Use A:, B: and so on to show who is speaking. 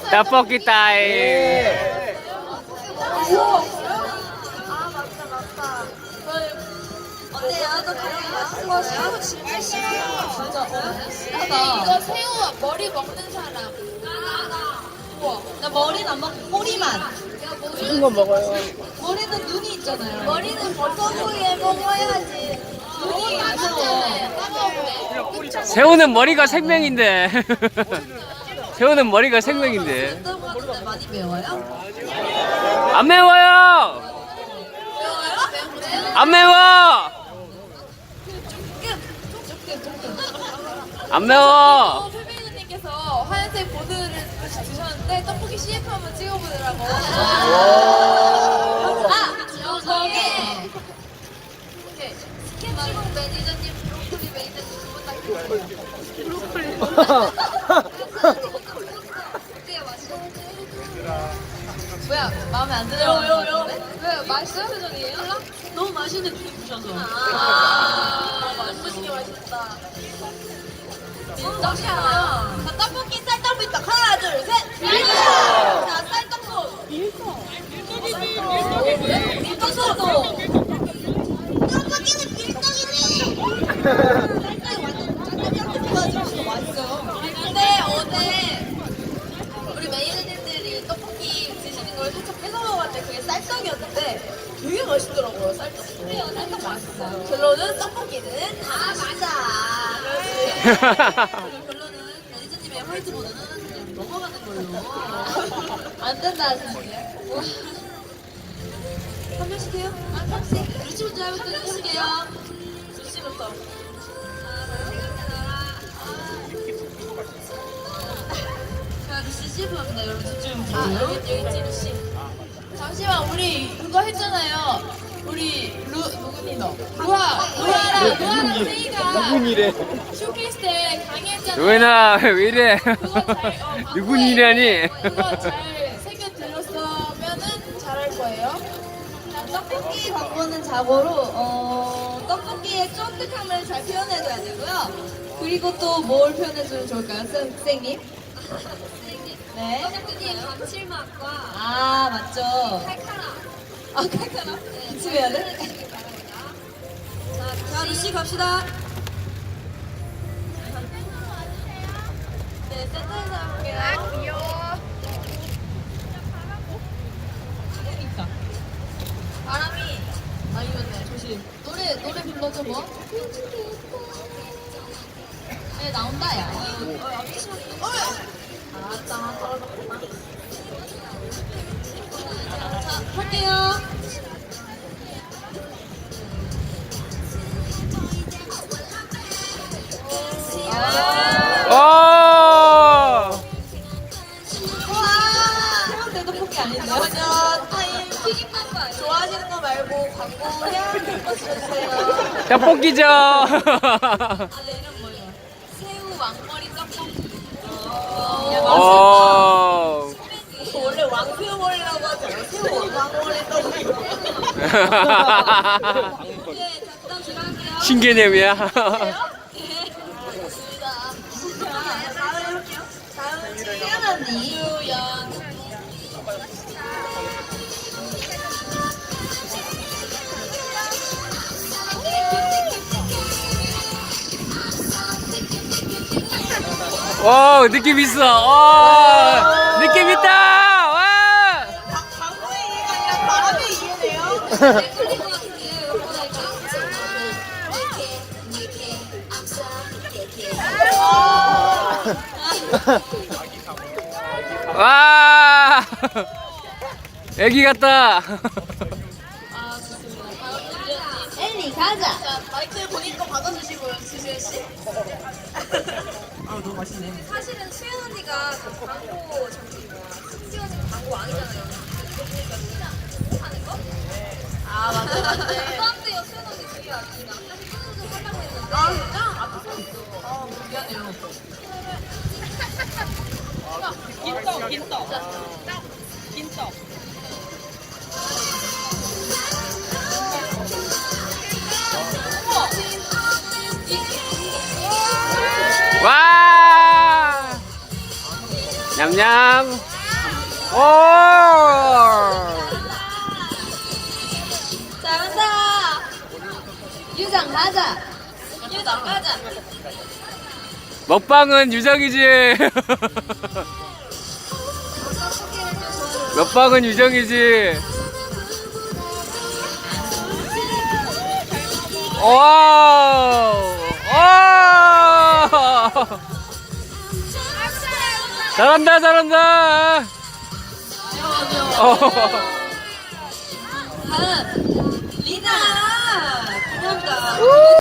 A: 떡볶이 타임.
B: 어때요? 떡볶이 맛있어요? 진짜 진짜
C: 이거 새우 머리 먹는 사람. 우와.
B: 나 머리는 안 먹고 꼬리만.
A: 무슨 거 먹어요?
B: 머리는 눈이 있잖아요.
C: 머리는 버터구이에 먹어야지.
B: 눈이 무서워.
A: 새우는 머리가 생명인데. 새우는 머리가 생명인데.
B: 뜬다고 하는데 많이 매워요?
A: 안 매워요. 안 매워. 안 매워.
C: 페미누님께서 하얀색 보드를 주셨는데 떡볶이 CF 한번 찍어보더라고.
B: 저게
C: 스케치북 매니저님, 브로콜리 매니저님 두분다 브로콜리. 어때요, 맛있어요?
B: 뭐야 마음에 안 드는
C: 왜 맛있어요, 표정이에요?
B: 너무 맛있는 게 부셔서.
C: 맛있게 맛있다.
B: 떡이야.
C: 자, 떡볶이 쌀떡비떡 하나, 둘, 셋. 자, 쌀떡소. 밀떡소도. 떡볶이는 밀떡이네. 쌀떡이 완전 짠짠짠 좋아지고 맛있어요. 근데 어제 우리 매니저님들이 떡볶이 드시는 걸 살짝 뺏어 먹었는데 그게 쌀떡이었는데 되게 맛있더라고요, 쌀떡도. 쌀떡 맛있어요. 결론은 떡볶이는 다 맛있다. 그렇지. 결론은 매니저님의 화이트보드는 그냥 넘어가는 걸로. 안 된다 하시는데요? 한 명씩 해요? 한 명씩. 루시부터 해볼게요. 해볼게요. 루시부터. 자, 루시 CF 합니다. 여러분 집중 부탁드려요. 여기 있지, 루시. 잠시만, 우리 그거 했잖아요. 우리 누구니 너? 루아랑 세이가
A: 누군이래?
C: 쇼케이스 때 강의했잖아요.
A: 누구나 왜 이래? 누군이라니?
C: 그거 잘 새겨 들었으면은 잘할 거예요.
B: 자, 떡볶이 광고는 자고로 떡볶이의 쫀득함을 잘 표현해줘야 되고요. 그리고 또 뭘 표현해주면 좋을까요, 선생님? 네.
C: 떡볶이의 감칠맛과
B: 아 맞죠.
C: 칼칼함.
B: 아 칼칼함? 기침해야 돼? 자 루시 갑시다.
C: 네, 센터에서 해볼게요.
B: 귀여워.
C: 바람이 이겼네. 조심. 노래 불러줘 뭐. 네 나온다 야. 알았다. 떨어졌구나.
B: 자 할게요.
A: 와!
B: 해운대 떡볶이 아닌데요? 타임
C: 튀김한 거 아니야?
B: 좋아하시는 거 말고 광고 해야 맞춰주세요.
A: 떡볶이죠.
B: 네 이름 뭐예요?
C: 새우 왕머리 떡볶이.
A: 오.
B: 원래 왕새우머리라고 하죠. 새우 왕머리 떡볶이.
C: 네, 자 그다음 제가 할게요.
A: 신개념이야.
C: 네. 좋습니다.
B: 다음 해볼게요. 다음은 지연 언니.
C: 유연.
A: 와, 느낌 있어. 와, 느낌 있다. 와.
B: 광고의 이해가 아니라 바람의 이해네요.
C: 네, 클릭 것 같은데
A: 와. 애기 같다.
C: 아 좋습니다. 다음 유연님.
B: 엘리 가자.
C: 자 마이크 본인 거 받아주시고요, 지수연 씨.
B: 아 너무 맛있네.
C: 사실은 수연 언니가 그 광고 저기 뭐야 찍어진 광고 아니잖아요. 그러니까 그냥 하는 거?
B: 아 맞네 맞네.
C: 그런데요 수연 언니 그게 아니라 사실 끊어서 하려고 했는데
B: 아 진짜?
C: 앞에 서 있어.
B: 아 미안해요.
C: 긴떡.
A: 와. 냠냠. 오!
C: 잘한다. 유장 가자. 유장 가자.
A: 먹방은 유정이지. 먹방은 유정이지. 와! 잘한다, 잘한다.
C: 다음 리나. 감사합니다.